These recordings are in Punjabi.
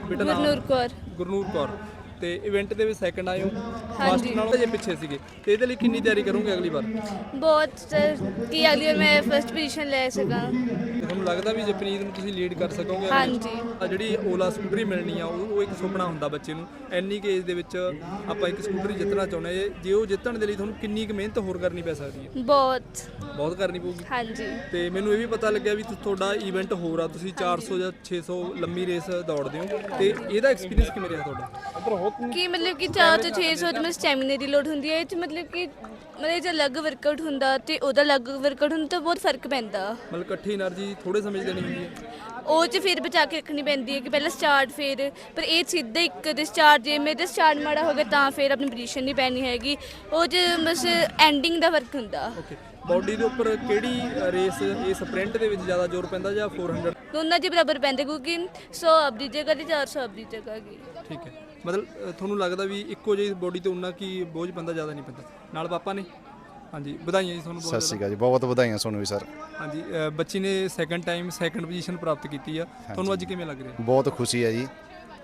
ਬੇਟਾ ਨਾਮ ਗੁਰਨੂਰ ਕੌਰ। ਗੁਰਨੂਰ ਕੌਰ। ਤੇ ਇਵੈਂਟ ਦੇ ਵਿੱਚ ਸੈਕੰਡ ਆਏ ਹੋ, ਹਾਂਜੀ। ਫਸਟ ਨਾਲੋਂ ਜੇ ਪਿੱਛੇ ਸੀਗੇ, ਤੇ ਇਹਦੇ ਲਈ ਕਿੰਨੀ ਤਿਆਰੀ ਕਰੋਗੇ ਅਗਲੀ ਵਾਰ? ਬਹੁਤ ਸਰ ਕਿ ਅਗਲੀ ਵਾਰ ਮੈਂ ਫਸਟ ਪੋਜੀਸ਼ਨ ਲੈ ਸਕਾਂ। ਤੇ ਤੁਹਾਨੂੰ ਲੱਗਦਾ ਵੀ ਜਪਨੀਤ ਨੂੰ ਤੁਸੀਂ ਲੀਡ ਕਰ ਸਕੋਗੇ? ਹਾਂਜੀ। ਜਿਹੜੀ ਓਲਾ ਸਕੂਟਰੀ ਮਿਲਣੀ ਆ ਉਹ ਇੱਕ ਸੁਪਨਾ ਹੁੰਦਾ ਬੱਚੇ ਨੂੰ। ਇੰਨੀ ਕੁ ਏਜ ਦੇ ਵਿੱਚ ਆਪਾਂ ਇੱਕ ਸਕੂਟਰੀ ਜਿੱਤਣਾ ਚਾਹੁੰਦੇ ਹਾਂ, ਜੇ ਉਹ ਜਿੱਤਣ ਦੇ ਲਈ ਤੁਹਾਨੂੰ ਕਿੰਨੀ ਕੁ ਮਿਹਨਤ ਹੋਰ ਕਰਨੀ ਪੈ ਸਕਦੀ ਹੈ? ਬਹੁਤ ਕਰਨੀ ਪਊਗੀ। ਹਾਂਜੀ। ਤੇ ਮੈਨੂੰ ਇਹ ਵੀ ਪਤਾ ਲੱਗਿਆ ਵੀ ਤੁਹਾਡਾ ਇਵੈਂਟ ਹੋਰ ਆ, ਤੁਸੀਂ 400 ਜਾਂ 600 ਲੰਮੀ ਰੇਸ ਦੌੜਦੇ ਹੋ, ਤੇ ਇਹਦਾ ਐਕਸਪੀਰੀਅੰਸ ਕਿਵੇਂ ਰਿਹਾ ਤੁਹਾਡਾ? ਕਿ ਮਤਲਬ ਕਿ 4 ਤੋਂ 600 ਦੇ ਵਿੱਚ ਸਟੈਮਿਨਾ ਦੀ ਲੋੜ ਹੁੰਦੀ ਹੈ। ਇਹ 'ਚ ਮਤਲਬ ਕਿ ਜੇ ਅਲੱਗ ਵਰਕਆਊਟ ਹੁੰਦਾ ਤੇ ਉਹਦਾ ਅਲੱਗ ਵਰਕਆਊਟ ਹੁੰਦਾ ਤਾਂ ਬਹੁਤ ਫਰਕ ਪੈਂਦਾ। ਮਤਲਬ ਇਕੱਠੀ એનર્ਜੀ ਥੋੜੇ ਸਮੇਂ 'ਚ ਦੇਣੀ ਹੁੰਦੀ ਹੈ? ਉਹ 'ਚ ਫਿਰ ਬਚਾ ਕੇ ਰੱਖਣੀ ਪੈਂਦੀ ਹੈ ਕਿ ਪਹਿਲਾਂ ਸਟਾਰਟ ਫਿਰ, ਪਰ ਇਹ ਸਿੱਧਾ ਇੱਕ ਦੇ ਸਟਾਰਟ, ਜੇ ਮੇਰੇ ਸਟਾਰਟ ਮਾੜਾ ਹੋ ਗਿਆ ਤਾਂ ਫਿਰ ਆਪਣੀ ਪੋਜੀਸ਼ਨ ਨਹੀਂ ਪੈਣੀ ਹੈਗੀ। ਉਹ 'ਚ ਬਸ ਐਂਡਿੰਗ ਦਾ ਫਰਕ ਹੁੰਦਾ। ਓਕੇ, ਬਾਡੀ ਦੇ ਉੱਪਰ ਕਿਹੜੀ ਰੇਸ, ਇਹ ਸਪ੍ਰਿੰਟ ਦੇ ਵਿੱਚ ਜ਼ਿਆਦਾ ਜ਼ੋਰ ਪੈਂਦਾ ਜਾਂ 400? ਦੋਨਾਂ 'ਚ ਬਰਾਬਰ ਪੈਂਦੇ ਕਿਉਂਕਿ 100 ਆਪਦੀ ਜਗ੍ਹਾ ਤੇ 400 ਆਪਦੀ ਜਗ੍ਹਾ ਗਈ। ਠੀਕ ਹੈ, ਮਤਲਬ ਤੁਹਾਨੂੰ ਲੱਗਦਾ ਵੀ ਇੱਕੋ ਜਿਹੀ ਬੋਡੀ ਤੇ ਉਨਾ ਕੀ ਬੋਝ ਪੈਂਦਾ, ਜ਼ਿਆਦਾ ਨਹੀਂ ਪੈਂਦਾ? ਨਾਲ ਪਾਪਾ ਨੇ। ਹਾਂਜੀ, ਵਧਾਈਆਂ ਜੀ ਤੁਹਾਨੂੰ ਬਹੁਤ। ਸਤਿ ਸ਼੍ਰੀ ਅਕਾਲ ਜੀ, ਬਹੁਤ ਵਧਾਈਆਂ ਤੁਹਾਨੂੰ ਵੀ ਸਰ। ਹਾਂਜੀ, ਬੱਚੀ ਨੇ ਸੈਕੰਡ ਟਾਈਮ ਸੈਕੰਡ ਪੋਜੀਸ਼ਨ ਪ੍ਰਾਪਤ ਕੀਤੀ ਆ, ਤੁਹਾਨੂੰ ਅੱਜ ਕਿਵੇਂ ਲੱਗ ਰਿਹਾ? ਬਹੁਤ ਖੁਸ਼ੀ ਹੈ ਜੀ।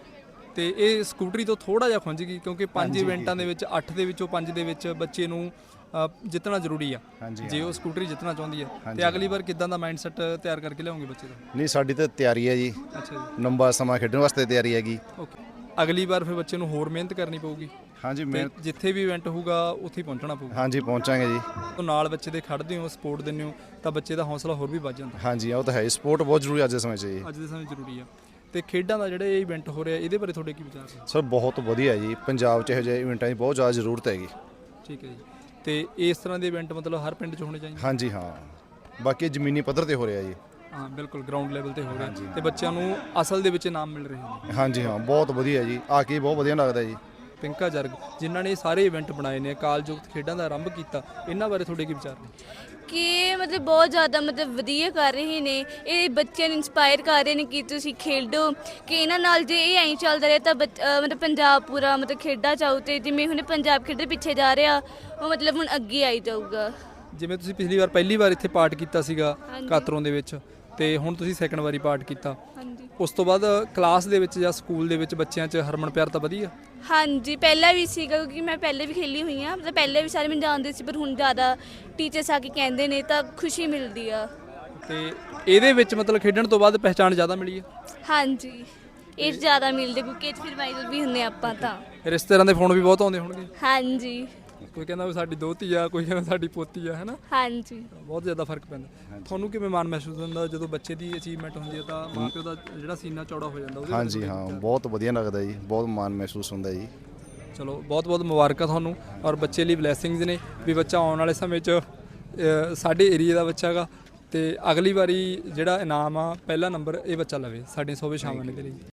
ਤੇ ਇਹ ਸਕੂਟਰੀ ਤੋਂ ਥੋੜਾ ਜਿਹਾ ਖੁੰਝ ਗਈ ਕਿਉਂਕਿ 5 ਇਵੈਂਟਾਂ ਦੇ ਵਿੱਚ 8 ਦੇ ਵਿੱਚੋਂ 5 ਦੇ ਵਿੱਚ ਬੱਚੇ ਨੂੰ ਜਿੱਤਣਾ ਜ਼ਰੂਰੀ ਆ, ਜੇ ਉਹ ਸਕੂਟਰੀ ਜਿੱਤਣਾ ਚਾਹੁੰਦੀ ਹੈ। ਤੇ ਅਗਲੀ ਵਾਰ ਕਿੱਦਾਂ ਦਾ ਮਾਈਂਡਸੈਟ ਤਿਆਰ ਕਰਕੇ ਲਿਆਉਂਗੇ ਬੱਚੇ ਦਾ? ਨਹੀਂ, ਸਾਡੀ ਤਾਂ ਤਿਆਰੀ ਹੈ ਜੀ। ਅੱਛਾ ਜੀ। ਲੰਬਾ ਸਮਾਂ ਖੇਡਣ ਵਾਸਤੇ ਤਿਆਰੀ ਹੈਗੀ। ਓਕੇ, ਅਗਲੀ ਵਾਰ ਫਿਰ ਬੱਚੇ ਨੂੰ ਹੋਰ ਮਿਹਨਤ ਕਰਨੀ ਪਊਗੀ। ਹਾਂਜੀ, ਤੇ ਜਿੱਥੇ ਵੀ ਇਵੈਂਟ ਹੋਊਗਾ ਉੱਥੇ ਹੀ ਪਹੁੰਚਣਾ ਪਊਗਾ। ਹਾਂਜੀ, ਪਹੁੰਚਾਂਗੇ ਜੀ। ਤੋਂ ਨਾਲ ਬੱਚੇ ਦੇ ਖੜਦੇ ਹੋ, ਸਪੋਰਟ ਦਿੰਦੇ ਹੋ, ਤਾਂ ਬੱਚੇ ਦਾ ਹੌਸਲਾ ਹੋਰ ਵੀ ਵੱਧ ਜਾਂਦਾ। ਹਾਂਜੀ, ਉਹ ਤਾਂ ਹੈ, ਸਪੋਰਟ ਬਹੁਤ ਜ਼ਰੂਰੀ ਅੱਜ ਦੇ ਸਮੇਂ 'ਚ ਜੀ। ਅੱਜ ਦੇ ਸਮੇਂ ਜ਼ਰੂਰੀ ਆ। ਤੇ ਖੇਡਾਂ ਦਾ ਜਿਹੜਾ ਇਹ ਇਵੈਂਟ ਹੋ ਰਿਹਾ, ਇਹਦੇ ਬਾਰੇ ਤੁਹਾਡੇ ਕੀ ਵਿਚਾਰ ਨੇ? ਸਰ ਬਹੁਤ ਵਧੀਆ ਜੀ, ਪੰਜਾਬ 'ਚ ਇਹੋ ਜਿਹੇ ਇਵੈਂਟਾਂ ਦੀ ਬਹੁਤ ਜ਼ਿਆਦਾ ਜ਼ਰੂਰਤ ਹੈਗੀ। ਠੀਕ ਹੈ ਜੀ। ਤੇ ਇਸ ਤਰ੍ਹਾਂ ਦੇ ਇਵੈਂਟ ਮਤਲਬ ਹਰ ਪਿੰਡ 'ਚ ਹੋਣੇ ਚਾਹੀਦੇ? ਹਾਂਜੀ ਹਾਂ, ਬਾਕੀ ਜ਼ਮੀਨੀ ਪੱਧਰ ਤੇ ਹੋ ਰਿਹਾ ਜੀ। ਹਾਂ ਬਿਲਕੁਲ, ਗਰਾਊਂਡ ਲੈਵਲ ਤੇ ਹੋ ਰਿਹਾ, ਤੇ ਬੱਚਿਆਂ ਨੂੰ ਅਸਲ ਦੇ ਵਿੱਚ ਇਨਾਮ ਮਿਲ ਰਹੇ ਨੇ। ਹਾਂਜੀ ਹਾਂ, ਬਹੁਤ ਵਧੀਆ ਜੀ, ਆ ਕੇ ਬਹੁਤ ਵਧੀਆ ਲੱਗਦਾ ਜੀ। ਪਿੰਕਾ ਜਰਗ ਜਿਨ੍ਹਾਂ ਨੇ ਇਹ ਸਾਰੇ ਇਵੈਂਟ ਬਣਾਏ ਨੇ, ਅਕਾਲ ਜੁਗਤ ਖੇਡਾਂ ਦਾ ਆਰੰਭ ਕੀਤਾ, ਇਹਨਾਂ ਬਾਰੇ ਤੁਹਾਡੇ ਕੀ ਵਿਚਾਰ ਨੇ? ਕਿ ਮਤਲਬ ਬਹੁਤ ਜ਼ਿਆਦਾ ਵਧੀਆ ਕਰ ਰਹੇ ਨੇ, ਇਹ ਬੱਚਿਆਂ ਨੂੰ ਇੰਸਪਾਇਰ ਕਰ ਰਹੇ ਨੇ ਕਿ ਤੁਸੀਂ ਖੇਡੋ, ਕਿ ਇਹਨਾਂ ਨਾਲ ਜੇ ਇਹ ਐਂ ਚੱਲਦਾ ਰਿਹਾ ਤਾਂ ਮਤਲਬ ਪੰਜਾਬ ਪੂਰਾ ਖੇਡਾਂ ਚਾਹੂ, ਤੇ ਜਿਵੇਂ ਹੁਣ ਪੰਜਾਬ ਖੇਡਾਂ ਪਿੱਛੇ ਜਾ ਰਿਹਾ, ਉਹ ਮਤਲਬ ਹੁਣ ਅੱਗੇ ਆਈ ਜਾਊਗਾ। ਜਿਵੇਂ ਤੁਸੀਂ ਪਹਿਲੀ ਵਾਰ ਇੱਥੇ ਪਾਰਟ ਕੀਤਾ ਸੀਗਾ ਕਾਤਰੋਂ ਦੇ ਵਿੱਚ, ਤੇ ਹੁਣ ਤੁਸੀਂ ਸੈਕੰਡ ਵਾਰੀ ਪਾਰਟ ਕੀਤਾ, ਉਸ ਤੋਂ ਬਾਅਦ ਕਲਾਸ ਦੇ ਵਿੱਚ ਜਾਂ ਸਕੂਲ ਦੇ ਵਿੱਚ ਬੱਚਿਆਂ 'ਚ ਹਰਮਨ ਪਿਆਰ ਤਾਂ ਵਧੀਆ? ਹਾਂਜੀ, ਪਹਿਲਾਂ ਵੀ ਸੀਗਾ ਕਿਉਂਕਿ ਮੈਂ ਪਹਿਲੇ ਵੀ ਖੇਲੀ ਹੋਈ ਹਾਂ, ਮਤਲਬ ਪਹਿਲੇ ਵੀ ਸਾਰੇ ਮੈਨੂੰ ਜਾਣਦੇ ਸੀ, ਪਰ ਹੁਣ ਜ਼ਿਆਦਾ ਟੀਚਰਸ ਆ ਕੇ ਕਹਿੰਦੇ ਨੇ ਤਾਂ ਖੁਸ਼ੀ ਮਿਲਦੀ ਆ। ਤੇ ਇਹਦੇ ਵਿੱਚ ਮਤਲਬ ਖੇਡਣ ਤੋਂ ਬਾਅਦ ਪਹਿਚਾਣ ਜ਼ਿਆਦਾ ਮਿਲੀ ਹੈ? ਹਾਂਜੀ, ਇਹ ਜ਼ਿਆਦਾ ਮਿਲਦੇ ਕਿਉਂਕਿ ਇਹ 'ਚ ਫਿਰ ਵਾਇਰਲ ਵੀ ਹੁੰਦੇ ਆਪਾਂ ਤਾਂ। ਰਿਸ਼ਤੇਦਾਰਾਂ ਦੇ ਫੋਨ ਵੀ ਬਹੁਤ ਆਉਂਦੇ ਹੋਣਗੇ? ਹਾਂਜੀ। ਕੋਈ ਕਹਿੰਦਾ ਵੀ ਸਾਡੀ ਦੋਤੀ ਆ, ਕੋਈ ਕਹਿੰਦਾ ਸਾਡੀ ਪੋਤੀ ਆ, ਹੈ ਨਾ? ਹਾਂਜੀ। ਬਹੁਤ ਜ਼ਿਆਦਾ ਫਰਕ ਪੈਂਦਾ। ਤੁਹਾਨੂੰ ਕਿਵੇਂ ਮਾਣ ਮਹਿਸੂਸ ਹੁੰਦਾ ਜਦੋਂ ਬੱਚੇ ਦੀ ਅਚੀਵਮੈਂਟ ਹੁੰਦੀ ਹੈ ਤਾਂ ਮਾਂ ਪਿਓ ਦਾ ਜਿਹੜਾ ਸੀਨਾ ਚੌੜਾ ਹੋ ਜਾਂਦਾ? ਉਹਦੇ ਹਾਂਜੀ ਹਾਂ, ਬਹੁਤ ਵਧੀਆ ਲੱਗਦਾ ਜੀ, ਬਹੁਤ ਮਾਣ ਮਹਿਸੂਸ ਹੁੰਦਾ ਜੀ। ਚਲੋ, ਬਹੁਤ ਬਹੁਤ ਮੁਬਾਰਕਾਂ ਤੁਹਾਨੂੰ, ਔਰ ਬੱਚੇ ਲਈ ਬਲੈਸਿੰਗਸ ਨੇ ਵੀ ਬੱਚਾ ਆਉਣ ਵਾਲੇ ਸਮੇਂ 'ਚ ਸਾਡੇ ਏਰੀਆ ਦਾ ਬੱਚਾ ਹੈਗਾ, ਤੇ ਅਗਲੀ ਵਾਰੀ ਜਿਹੜਾ ਇਨਾਮ ਆ ਪਹਿਲਾ ਨੰਬਰ ਇਹ ਬੱਚਾ ਲਵੇ ਸਾਡੀਆਂ ਸ਼ੁਭ ਕਾਮਨਾਵਾਂ ਦੇ ਲਈ।